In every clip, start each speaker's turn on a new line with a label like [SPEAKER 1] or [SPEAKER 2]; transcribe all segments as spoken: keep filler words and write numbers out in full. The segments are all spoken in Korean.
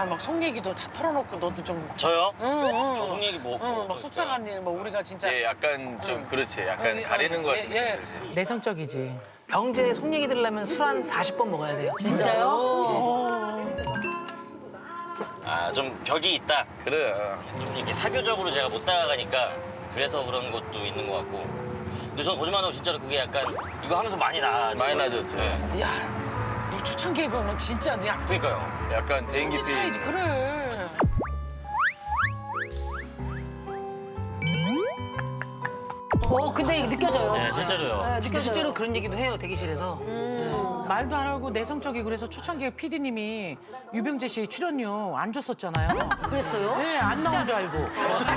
[SPEAKER 1] 야, 막 속 얘기도 다 털어놓고 너도 좀.
[SPEAKER 2] 저요?
[SPEAKER 1] 응, 응.
[SPEAKER 2] 저 속 얘기 뭐.
[SPEAKER 1] 응, 막 속상한 일, 뭐 우리가 진짜.
[SPEAKER 3] 예, 약간 좀 그렇지. 약간
[SPEAKER 1] 어,
[SPEAKER 3] 가리는 것 같은
[SPEAKER 1] 예, 예.
[SPEAKER 3] 느낌이지.
[SPEAKER 4] 내성적이지. 병재 속 얘기 들으려면 술 한 사십 번 먹어야 돼요.
[SPEAKER 1] 진짜요?
[SPEAKER 2] 아, 좀 벽이 있다.
[SPEAKER 3] 그래.
[SPEAKER 2] 좀 이렇게 사교적으로 제가 못 다가가니까 그래서 그런 것도 있는 것 같고. 근데 저는 거짓말하고 진짜로 그게 약간 이거 하면서 많이 나.
[SPEAKER 3] 많이 나졌지.
[SPEAKER 2] 네.
[SPEAKER 1] 야, 너 초창기에 보면 진짜 야,
[SPEAKER 2] 그러니까요.
[SPEAKER 3] 약간 대인기
[SPEAKER 1] 천지 차이지. 그래.
[SPEAKER 5] 어, 근데 이게 느껴져요.
[SPEAKER 2] 네, 실제로요.
[SPEAKER 5] 네,
[SPEAKER 4] 진짜
[SPEAKER 5] 느껴져요.
[SPEAKER 4] 실제로 그런 얘기도 해요, 대기실에서.
[SPEAKER 1] 말도 안 하고 내성적이고 그래서 초창기에 피디님이 유병재 씨 출연료 안 줬었잖아요.
[SPEAKER 5] 그랬어요?
[SPEAKER 1] 네, 안 나온 줄 알고.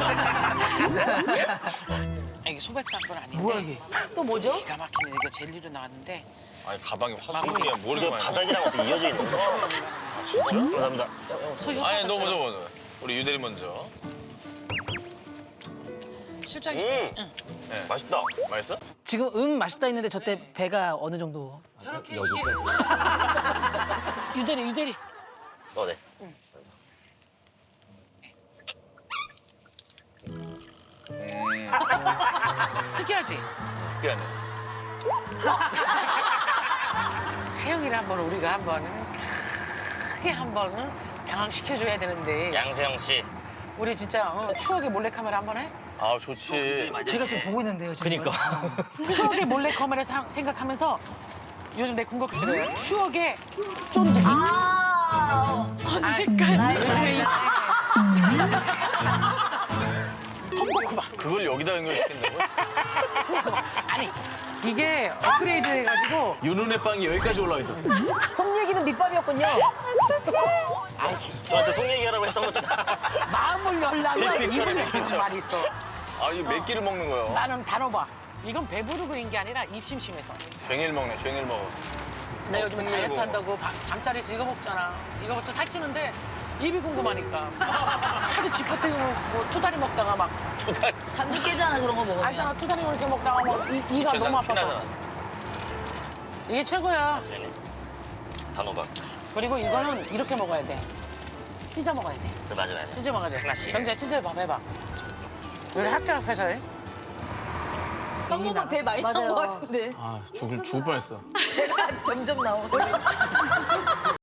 [SPEAKER 1] 이게 소백 사건 아닌데.
[SPEAKER 4] 뭐야, 이게?
[SPEAKER 5] 또 뭐죠?
[SPEAKER 1] 기가 막히네. 이거 젤리로 나왔는데.
[SPEAKER 3] 아니 가방에
[SPEAKER 1] 마무리.
[SPEAKER 3] 화수분이야. 뭘
[SPEAKER 2] 이게
[SPEAKER 3] 많이.
[SPEAKER 2] 바닥이랑 어떻게 이어져 있는 거야? 진짜? 감사합니다.
[SPEAKER 1] 소유
[SPEAKER 3] 아니 너무 너무. 우리 유대리 먼저.
[SPEAKER 1] 실장이.
[SPEAKER 2] 음,
[SPEAKER 1] 응.
[SPEAKER 2] 맛있다.
[SPEAKER 3] 맛있어?
[SPEAKER 4] 지금 응 맛있다 했는데 저 때 배가 어느 정도.
[SPEAKER 1] 저렇게
[SPEAKER 2] 여기까지.
[SPEAKER 1] 유대리 유대리.
[SPEAKER 2] 어, 네.
[SPEAKER 3] 음.
[SPEAKER 1] 특이하지?
[SPEAKER 3] 특이하네.
[SPEAKER 1] 세영이를 한번 우리가 한번 크게 한번 당황시켜줘야 되는데.
[SPEAKER 2] 양세형 씨.
[SPEAKER 1] 우리 진짜 어, 추억의 몰래카메라 한번 해?
[SPEAKER 3] 아 좋지.
[SPEAKER 4] 제가 지금 보고 있는데요, 지금.
[SPEAKER 2] 그러니까.
[SPEAKER 1] 추억의 몰래카메라 사- 생각하면서 요즘 내 궁극기잖아요. 추억의 쫀득이.
[SPEAKER 5] 아,
[SPEAKER 1] 언제까지? 통곡구박.
[SPEAKER 3] 그걸 여기다 연결시킨다고?
[SPEAKER 1] 아니 이게 업그레이드 해가지고
[SPEAKER 3] 윤은혜 빵이 여기까지 올라와 있었어.
[SPEAKER 5] 속 얘기는 밑밥이었군요.
[SPEAKER 2] 저한테 속 얘기하라고 했던 것도
[SPEAKER 1] 마음을 열라면
[SPEAKER 3] 빅픽처네,
[SPEAKER 1] 입을
[SPEAKER 3] 빅픽처.
[SPEAKER 1] 열는 말이 있어.
[SPEAKER 3] 아 이거 몇 끼를 먹는 거야?
[SPEAKER 1] 나는 단호박. 이건 배부르고 그런 게 아니라 입심심해서.
[SPEAKER 3] 쟁일 먹네. 쟁일 먹어.
[SPEAKER 1] 나 요즘에
[SPEAKER 3] 어,
[SPEAKER 1] 다이어트
[SPEAKER 3] 먹어.
[SPEAKER 1] 한다고 밥- 잠자리에서 이거 먹잖아. 이거부터 살찌는데 입이 궁금하니까. 하도 지퍼뜨고 뭐 투다리 먹다가 막
[SPEAKER 5] 잠도 깨잖아, 저런 거 먹으면.
[SPEAKER 1] 알잖아. 투다리 이렇게 먹다가 막 이, 이가
[SPEAKER 3] 진짜
[SPEAKER 1] 너무 아파서.
[SPEAKER 3] 피나잖아.
[SPEAKER 1] 이게 최고야.
[SPEAKER 2] 단호박.
[SPEAKER 1] 그리고 이거는 이렇게 먹어야 돼. 찢어 먹어야 돼.
[SPEAKER 2] 그 맞아 맞아.
[SPEAKER 1] 찢어 먹어야 돼.
[SPEAKER 2] 하나씩.
[SPEAKER 1] 경제 찢어 봐, 해봐. 우리 학교 앞에서 해.
[SPEAKER 5] 한 번만 배 많이 나온 것 같은데.
[SPEAKER 3] 아 죽을 죽을 뻔했어.
[SPEAKER 5] 배가 점점 나오고.